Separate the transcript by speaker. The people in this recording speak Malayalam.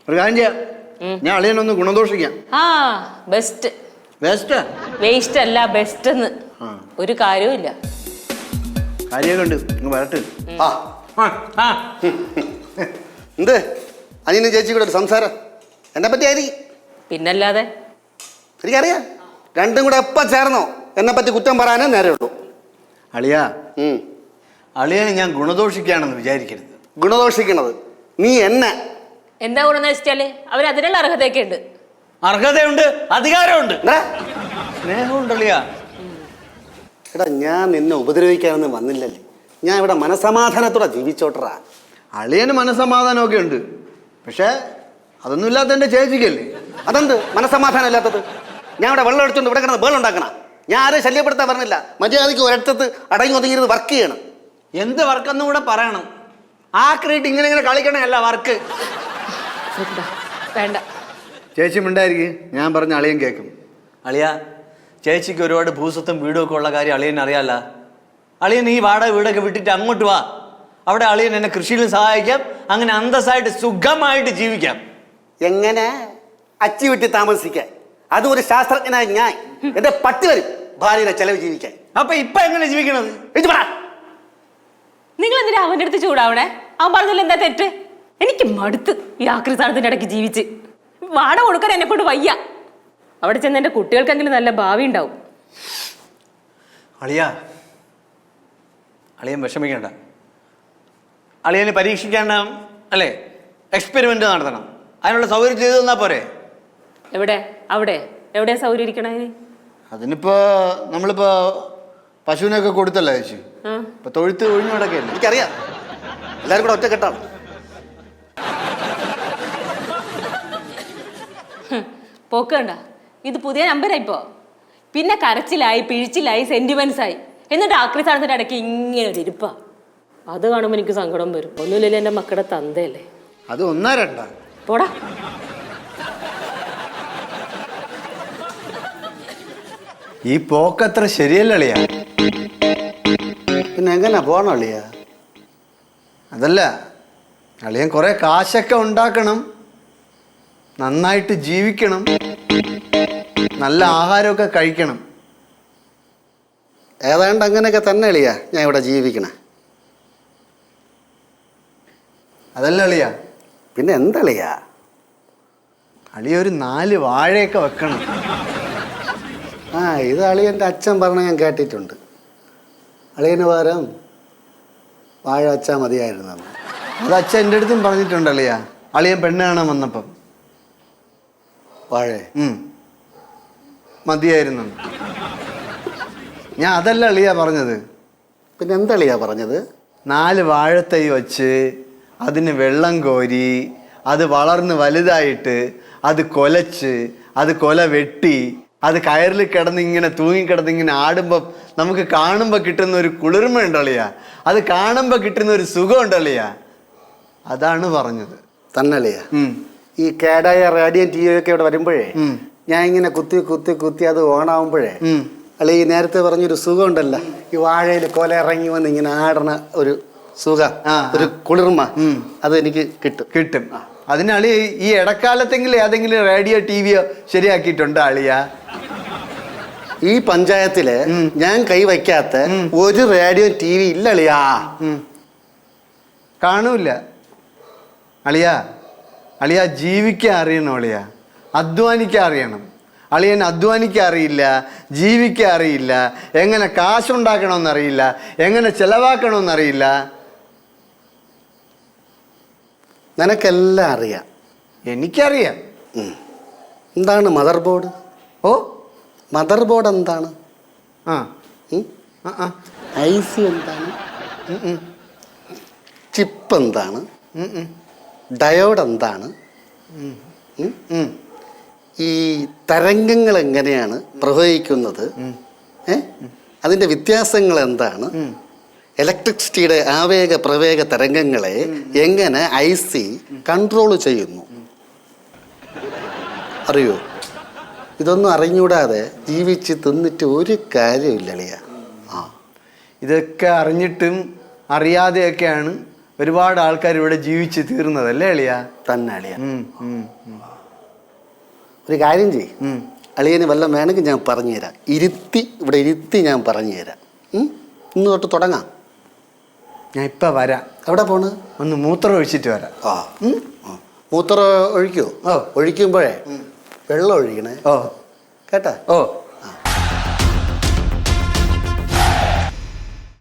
Speaker 1: ഒരു കാര്യം ചെയ്യാം, ഞാൻ അളിയനൊന്ന് ഗുണദോഷിക്കാം.
Speaker 2: ബെസ്റ്റ്.
Speaker 1: വേസ്റ്റ്
Speaker 2: വേസ്റ്റ് അല്ല, ബെസ്റ്റ് എന്ന് ഒരു കാര്യവും ഇല്ല.
Speaker 1: കാര്യമൊക്കെ ഉണ്ട്, നിങ്ങൾ വരട്ടെ.
Speaker 3: എന്ത് അനിയനും ചേച്ചി കൂടെ ഒരു സംസാരം എന്നെ പറ്റി ആയിരിക്കും.
Speaker 2: പിന്നല്ലാതെ
Speaker 3: എനിക്കറിയാം, രണ്ടും കൂടെ എപ്പം ചേർന്നോ എന്നെ പറ്റി കുറ്റം പറയാനേ നേരെ ഉള്ളൂ.
Speaker 1: അളിയാ, അളിയനെ ഞാൻ ഗുണദോഷിക്കുകയാണെന്ന് വിചാരിക്കരുത്.
Speaker 3: ഗുണദോഷിക്കണത് നീ എന്നെ.
Speaker 2: എന്താ ഗുണമെന്ന് വെച്ചാല് അവർ അതിനുള്ള അർഹതയൊക്കെ ഉണ്ട്.
Speaker 1: അർഹതയുണ്ട്, അധികാരമുണ്ട്, സ്നേഹമുണ്ട് അളിയാ.
Speaker 3: എടാ, ഞാൻ നിന്നെ ഉപദ്രവിക്കാനൊന്നും വന്നില്ലല്ലേ. ഞാൻ ഇവിടെ മനസമാധാനത്തോടെ ജീവിച്ചോട്ടറാ.
Speaker 1: അളിയന് മനസ്സമാധാനമൊക്കെ ഉണ്ട്, പക്ഷേ അതൊന്നും ഇല്ലാത്ത എൻ്റെ ചേച്ചിക്കല്ലേ.
Speaker 3: അതെന്ത് മനസ്സമാധാനം ഇല്ലാത്തത്? ഞാൻ ഇവിടെ വെള്ളം എടുത്തോണ്ട് ഇവിടെ കിടന്ന് ബേൾ ഉണ്ടാക്കണം. ഞാൻ ആരെയും ശല്യപ്പെടുത്താൻ പറഞ്ഞില്ല. മര്യാദയ്ക്ക് ഒരിടത്ത് അടങ്ങി ഒതുങ്ങിയിരുന്ന് വർക്ക് ചെയ്യണം.
Speaker 1: എന്ത് വർക്കെന്നും കൂടെ പറയണം. ആക്രിയിട്ട് ഇങ്ങനെ കളിക്കണമല്ല വർക്ക്.
Speaker 2: വേണ്ട
Speaker 1: ചേച്ചി മിണ്ടായിരിക്കും, ഞാൻ പറഞ്ഞ അളിയൻ കേൾക്കും. അളിയ, ചേച്ചിക്ക് ഒരുപാട് ഭൂസ്വത്തും വീടും ഒക്കെ ഉള്ള കാര്യം അളിയൻ അറിയാല്ല. അളിയൻ ഈ വാടക വീടൊക്കെ വിട്ടിട്ട് അങ്ങോട്ട് വാ. അവിടെ അളിയൻ എന്നെ കൃഷിയിലും സഹായിക്കാം. അങ്ങനെ അന്തസ്സായിട്ട് സുഖമായിട്ട് ജീവിക്കാം.
Speaker 3: എങ്ങനെ അച്ചി വിട്ടി താമസിക്കാൻ? അതും ഒരു ശാസ്ത്രജ്ഞനായി ഞാൻ. എന്റെ പട്ടി വരും ഭാര്യയുടെ ചെലവ് ജീവിക്കാൻ.
Speaker 1: അപ്പൊ ഇപ്പൊ എങ്ങനെ ജീവിക്കണത്?
Speaker 2: നിങ്ങൾ എന്തിനാ അവന്റെ അടുത്ത് ചൂടാവണേ? അവൻ പറഞ്ഞതിൽ എന്താ തെറ്റ്? എനിക്ക് മടുത്ത് ഈ ആക്രി സ്ഥാനത്തിന്റെ ഇടയ്ക്ക് ജീവിച്ച്. വാടക കൊടുക്കാൻ എന്നെ കൊണ്ട് വയ്യ. അവിടെ ചെന്ന് എന്റെ കുട്ടികൾക്കെങ്കിലും നല്ല ഭാവി ഉണ്ടാവും.
Speaker 1: അളിയൻ വിഷമിക്കണ്ട. അളിയന് പരീക്ഷിക്കേണ്ട അല്ലേ, എക്സ്പെരിമെന്റ് നടത്തണം. അതിനുള്ള സൗകര്യം ചെയ്തു തന്നാ പോരെ?
Speaker 2: എവിടെ? അവിടെ എവിടെയാ സൗകര്യം ഇരിക്കണ?
Speaker 1: അതിനിപ്പോ നമ്മളിപ്പോ പശുവിനൊക്കെ കൊടുത്തല്ലേ ചേച്ചി. ഇപ്പൊ തൊഴുത്ത് ഒഴിഞ്ഞു കിടക്കല്ലേ.
Speaker 3: എനിക്കറിയാം, എല്ലാരും കൂടെ ഒറ്റക്കെട്ടാണ്.
Speaker 2: പോക്ക് കണ്ട, ഇത് പുതിയ നമ്പരായിപ്പോ. പിന്നെ കരച്ചിലായി, പിഴിച്ചിലായി, സെന്റിമെന്റ്സ് ആയി. എന്നിട്ട് ആക്രി സ്ഥാനത്തിന്റെ ഇടയ്ക്ക് ഇങ്ങനെ ഒരു ഇരിപ്പാ. അത് കാണുമ്പോൾ എനിക്ക് സങ്കടം വരും. ഒന്നുമില്ലല്ലോ, എന്റെ മക്കളുടെ തന്തയല്ലേ.
Speaker 1: അത് ഒന്നാ രണ്ടാ
Speaker 2: പോടാ.
Speaker 1: ഈ പോക്കത്ര ശരിയല്ല അളിയാ.
Speaker 3: പിന്നെ എങ്ങനെ പോകണം അളിയാ?
Speaker 1: അതല്ല, അളിയൻ കുറെ കാശൊക്കെ ഉണ്ടാക്കണം, നന്നായിട്ട് ജീവിക്കണം, നല്ല ആഹാരമൊക്കെ കഴിക്കണം.
Speaker 3: ഏതാണ്ട് അങ്ങനെയൊക്കെ തന്നെ അളിയാ ഞാൻ ഇവിടെ ജീവിക്കണേ.
Speaker 1: അതല്ല അളിയാ.
Speaker 3: പിന്നെ എന്തളിയാ?
Speaker 1: അളിയ ഒരു 4 വാഴയൊക്കെ വെക്കണം.
Speaker 3: ഇത് അളിയൻ്റെ അച്ഛൻ പറഞ്ഞ ഞാൻ കേട്ടിട്ടുണ്ട്. അളിയന് പകരം വാഴ വെച്ചാൽ മതിയായിരുന്നു.
Speaker 1: അത് അച്ഛൻ എൻ്റെ അടുത്തും പറഞ്ഞിട്ടുണ്ട് അളിയാ, അളിയൻ പെണ്ണ് കാണാൻ വന്നപ്പം.
Speaker 3: വാഴ
Speaker 1: മതിയായിരുന്നു. ഞാൻ അതല്ല അളിയാ പറഞ്ഞത്.
Speaker 3: പിന്നെ എന്തളിയാ പറഞ്ഞത്?
Speaker 1: 4 വാഴത്തൈ വച്ച് അതിന് വെള്ളം കോരി അത് വളർന്ന് വലുതായിട്ട് അത് കൊലച്ച് അത് കൊല വെട്ടി അത് കയറിൽ കിടന്നിങ്ങനെ തൂങ്ങിക്കിടന്നിങ്ങനെ ആടുമ്പോൾ നമുക്ക് കാണുമ്പോൾ കിട്ടുന്ന ഒരു കുളിർമ ഉണ്ടളിയാ, അത് കാണുമ്പോൾ കിട്ടുന്ന ഒരു സുഖം ഉണ്ടളിയാ, അതാണ് പറഞ്ഞത്.
Speaker 3: തന്നളിയാ. ഈ കേടായ റേഡിയം ടി വി ഒക്കെ ഇവിടെ വരുമ്പോഴേ ഞാൻ ഇങ്ങനെ കുത്തി കുത്തി കുത്തി അത് ഓണാവുമ്പോഴേ അല്ലെ, ഈ നേരത്തെ പറഞ്ഞൊരു സുഖം ഉണ്ടല്ലോ, ഈ വാഴയിൽ കൊല ഇറങ്ങി വന്ന് ഇങ്ങനെ ആടണ ഒരു സുഖം, ഒരു കുളിർമ, അത് എനിക്ക് കിട്ടും.
Speaker 1: അതിന് അളി ഈ ഇടക്കാലത്തെങ്കിലും ഏതെങ്കിലും റേഡിയോ ടി വിയോ ശരിയാക്കിയിട്ടുണ്ടോ അളിയാ?
Speaker 3: ഈ പഞ്ചായത്തില് ഞാൻ കൈവയ്ക്കാത്ത ഒരു റേഡിയോ ടി വി ഇല്ല അളിയാ.
Speaker 1: കാണൂല അളിയാ. അളിയാ ജീവിക്കാൻ അറിയണം അളിയാ, അധ്വാനിക്കാൻ അറിയണം. അളിയൻ അധ്വാനിക്കാൻ അറിയില്ല, ജീവിക്കാൻ അറിയില്ല, എങ്ങനെ കാശുണ്ടാക്കണമെന്നറിയില്ല, എങ്ങനെ ചെലവാക്കണമെന്നറിയില്ല.
Speaker 3: നിനക്കെല്ലാം അറിയാം.
Speaker 1: എനിക്കറിയാം.
Speaker 3: എന്താണ് മദർ ബോർഡ്? മദർ ബോർഡ് എന്താണ്? IC എന്താണ്? ചിപ്പ് എന്താണ്? ഡയോഡ് എന്താണ്? ഈ തരംഗങ്ങൾ എങ്ങനെയാണ് പ്രവഹിക്കുന്നത്? അതിൻ്റെ വ്യത്യാസങ്ങൾ എന്താണ്? ഇലക്ട്രിസിറ്റിയുടെ ആവേഗ പ്രവേഗ തരംഗങ്ങളെ എങ്ങനെ IC കൺട്രോൾ ചെയ്യുന്നു? അറിയോ? ഇതൊന്നും അറിഞ്ഞൂടാതെ ജീവിച്ച് തിന്നിട്ട് ഒരു കാര്യമില്ല അളിയ.
Speaker 1: ഇതൊക്കെ അറിഞ്ഞിട്ടും അറിയാതെയൊക്കെയാണ് ഒരുപാട് ആൾക്കാർ ഇവിടെ ജീവിച്ച് തീർന്നതല്ലേ അളിയ?
Speaker 3: തന്നെ അളിയ. ഒരു കാര്യം ചെയ്യും, അളിയന് വല്ലതും വേണമെങ്കിൽ ഞാൻ പറഞ്ഞുതരാം. ഇവിടെ ഇരുത്തി ഞാൻ പറഞ്ഞുതരാം. ഇന്ന് തൊട്ട് തുടങ്ങാം.
Speaker 1: ഞാൻ ഇപ്പം വരാം.
Speaker 3: എവിടെ പോണ്?
Speaker 1: ഒന്ന് മൂത്രം ഒഴിച്ചിട്ട് വരാം.
Speaker 3: മൂത്രം ഒഴിക്കോ? ഒഴിക്കുമ്പോഴേ വെള്ളം ഒഴിക്കണേ
Speaker 1: ഓ
Speaker 3: കേട്ടാ?
Speaker 1: ഓ